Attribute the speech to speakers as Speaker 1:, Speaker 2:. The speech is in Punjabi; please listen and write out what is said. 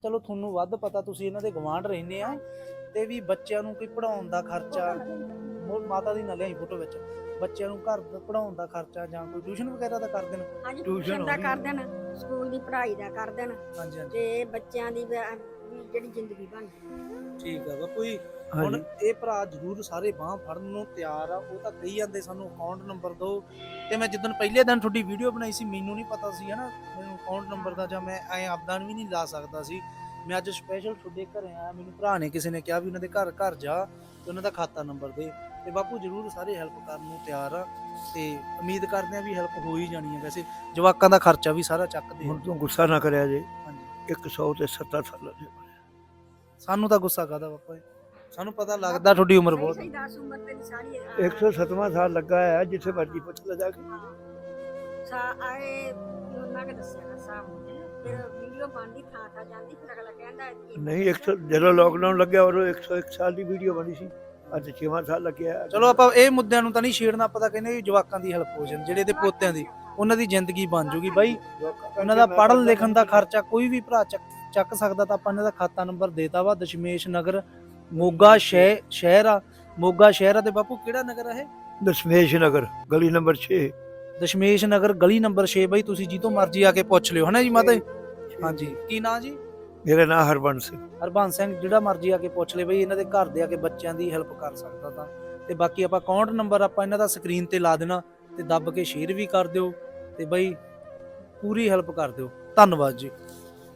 Speaker 1: ਚਲੋ ਤੁਹਾਨੂੰ ਵੱਧ ਪਤਾ, ਤੁਸੀਂ ਇਹਨਾਂ ਦੇ ਗਵਾਂਢ ਰਹਿੰਦੇ ਆ, ਤੇ ਵੀ ਬੱਚਿਆਂ ਨੂੰ ਕੋਈ ਪੜਾਉਣ ਦਾ ਖਰਚਾ, ਮਾਤਾ ਦੀ ਨਾ ਲਿਆਈ ਫੋਟੋ ਵਿੱਚ, ਬੱਚਿਆਂ ਨੂੰ ਘਰ ਦਾ ਪੜਾਉਣ ਦਾ ਖਰਚਾ ਜਾਂ ਕੋਈ ਟਿਊਸ਼ਨ ਵਗੈਰਾ ਦਾ ਕਰ ਦੇਣ।
Speaker 2: ਹਾਂਜੀ ਟਿਊਸ਼ਨ ਦਾ ਕਰ ਦੇਣ, ਸਕੂਲ ਦੀ ਪੜ੍ਹਾਈ ਦਾ ਕਰ ਦੇਣ,
Speaker 1: ਹਾਂਜੀ ਹਾਂਜੀ
Speaker 2: ਤੇ ਬੱਚਿਆਂ ਦੀ ਜਿਹੜੀ ਜ਼ਿੰਦਗੀ ਬਣ ਜਾਏ।
Speaker 1: ਠੀਕ ਆ ਬਾਪੂ ਜੀ। ਹੁਣ ਇਹ ਭਰਾ ਜ਼ਰੂਰ ਸਾਰੇ ਬਾਂਹ ਫੜਨ ਨੂੰ ਤਿਆਰ ਆ। ਉਹ ਤਾਂ ਕਹੀ ਜਾਂਦੇ ਸਾਨੂੰ ਅਕਾਊਂਟ ਨੰਬਰ ਦਿਓ, ਤੇ ਮੈਂ ਜਿੱਦਣ ਪਹਿਲੇ ਦਿਨ ਤੁਹਾਡੀ ਵੀਡੀਓ ਬਣਾਈ ਸੀ ਮੈਨੂੰ ਨਹੀਂ ਪਤਾ ਸੀ ਹਨਾ ਮੈਨੂੰ ਅਕਾਊਂਟ ਨੰਬਰ ਦਾ, ਜਾਂ ਮੈਂ ਐ ਆਪਦਾ ਵੀ ਨਹੀਂ ਲਾ ਸਕਦਾ ਸੀ। ਮੈਂ ਅੱਜ ਸਪੈਸ਼ਲ ਤੁਹਾਡੇ ਘਰੇ ਆਇਆ, ਮੈਨੂੰ ਭਰਾ ਨੇ ਕਿਸੇ ਨੇ ਕਿਹਾ ਵੀ ਉਹਨਾਂ ਦੇ ਘਰ ਘਰ ਜਾ ਤੇ ਉਹਨਾਂ ਦਾ ਖਾਤਾ ਨੰਬਰ ਦੇ, ਤੇ ਬਾਪੂ ਜ਼ਰੂਰ ਸਾਰੇ ਹੈਲਪ ਕਰਨ ਨੂੰ ਤਿਆਰ ਆ, ਤੇ ਉਮੀਦ ਕਰਦੇ ਆ ਵੀ ਹੈਲਪ ਹੋ ਹੀ ਜਾਣੀ ਹੈ। ਵੈਸੇ ਜਵਾਕਾਂ ਦਾ ਖਰਚਾ ਵੀ ਸਾਰਾ ਚੱਕਦੇ।
Speaker 3: ਹੁਣ ਤੂੰ ਗੁੱਸਾ ਨਾ ਕਰਿਆ ਜੇ,
Speaker 1: ਹਾਂਜੀ
Speaker 3: 100 ਤੇ 70 ਸਾਲਾਂ ਦੇ
Speaker 1: ਸਾਨੂੰ ਤਾਂ ਗੁੱਸਾ ਕਾਹਦਾ ਬਾਪਾ ਜੀ, ਸਾਨੂੰ ਪਤਾ ਲੱਗਦਾ ਤੁਹਾਡੀ ਉਮਰ ਬਹੁਤ
Speaker 2: ਸਹੀ 10 ਉਮਰ ਤੇ ਸਾਰੀ
Speaker 3: 107ਵਾਂ ਸਾਲ ਲੱਗਾ ਹੈ, ਜਿੱਥੇ ਮਰਜੀ ਪੁੱਛ ਲੈ ਜਾ ਕੇ।
Speaker 2: ਆਏ ਉਹਨਾਂ ਨੇ ਦੱਸਿਆ ਨਾ ਸਾਹਬ ਫਿਰ ਵੀਡੀਓ ਬਣਦੀ ਥਾਂ ਜਾਂਦੀ, ਫਿਰ ਅਗਲਾ ਕਹਿੰਦਾ
Speaker 3: ਨਹੀਂ 100 ਜਦੋਂ ਲੋਕਡਾਊਨ ਲੱਗਿਆ ਉਦੋਂ 101 ਸਾਲ ਦੀ ਵੀਡੀਓ ਬਣੀ ਸੀ, ਅੱਜ 6ਵਾਂ ਸਾਲ ਲੱਗਿਆ।
Speaker 1: ਚਲੋ ਆਪਾਂ ਇਹ ਮੁੱਦਿਆਂ ਨੂੰ ਤਾਂ ਨਹੀਂ ਛੇੜਨਾ, ਆਪਾਂ ਤਾਂ ਕਹਿੰਦੇ ਵੀ ਜਵਾਕਾਂ ਦੀ ਹੈਲਪ ਹੋ ਜਾਣ, ਜਿਹੜੇ ਇਹਦੇ ਪੋਤਿਆਂ ਦੀ, ਉਹਨਾਂ ਦੀ ਜ਼ਿੰਦਗੀ ਬਣ ਜੂਗੀ ਬਾਈ। ਉਹਨਾਂ ਦਾ ਪੜ੍ਹਨ ਲਿਖਣ ਦਾ ਖਰਚਾ ਕੋਈ ਵੀ ਭਰਾ ਚੱਕ ਸਕਦਾ, ਤਾਂ ਆਪਾਂ ਇਹਨਾਂ ਦਾ ਖਾਤਾ ਨੰਬਰ ਦੇਤਾ ਵਾ। ਦਸ਼ਮੇਸ਼ ਨਗਰ ਮੋਗਾ ਸ਼ਹਿਰ ਆ, ਮੋਗਾ ਸ਼ਹਿਰ ਆ। ਤੇ ਬਾਪੂ ਕਿਹੜਾ ਨਗਰ ਆ ਇਹ?
Speaker 3: ਦਸ਼ਮੇਸ਼ ਨਗਰ ਗਲੀ ਨੰਬਰ 6।
Speaker 1: ਦਸ਼ਮੇਸ਼ ਨਗਰ ਗਲੀ ਨੰਬਰ 6 ਬਾਈ। ਤੁਸੀਂ ਜੀ ਤੋਂ ਮਰਜ਼ੀ ਆ ਕੇ ਪੁੱਛ ਲਿਓ ਹਨਾ ਜੀ ਮਾਤਾ ਜੀ। ਹਾਂਜੀ ਕੀ ਨਾਂ ਜੀ?
Speaker 3: ਮੇਰਾ ਨਾਮ ਹਰਬੰਸ ਸਿੰਘ।
Speaker 1: ਹਰਬੰਸ ਸਿੰਘ। ਜਿਹੜਾ ਮਰਜ਼ੀ ਆ ਕੇ ਪੁੱਛ ਲੈ ਬਈ, ਇਹਨਾਂ ਦੇ ਘਰ ਦੇ ਆ ਕੇ ਬੱਚਿਆਂ ਦੀ ਹੈਲਪ ਕਰ ਸਕਦਾ ਤਾਂ। ਤੇ ਬਾਕੀ ਆਪਾਂ ਅਕਾਊਂਟ ਨੰਬਰ ਆਪਾਂ ਇਹਨਾਂ ਦਾ ਸਕਰੀਨ ਤੇ ਲਾ ਦੇਣਾ, ਤੇ ਦੱਬ ਕੇ ਸ਼ੇਅਰ ਵੀ ਕਰ ਦਿਓ, ਤੇ ਬਈ ਪੂਰੀ ਹੈਲਪ ਕਰ ਦਿਓ। ਧੰਨਵਾਦ ਜੀ।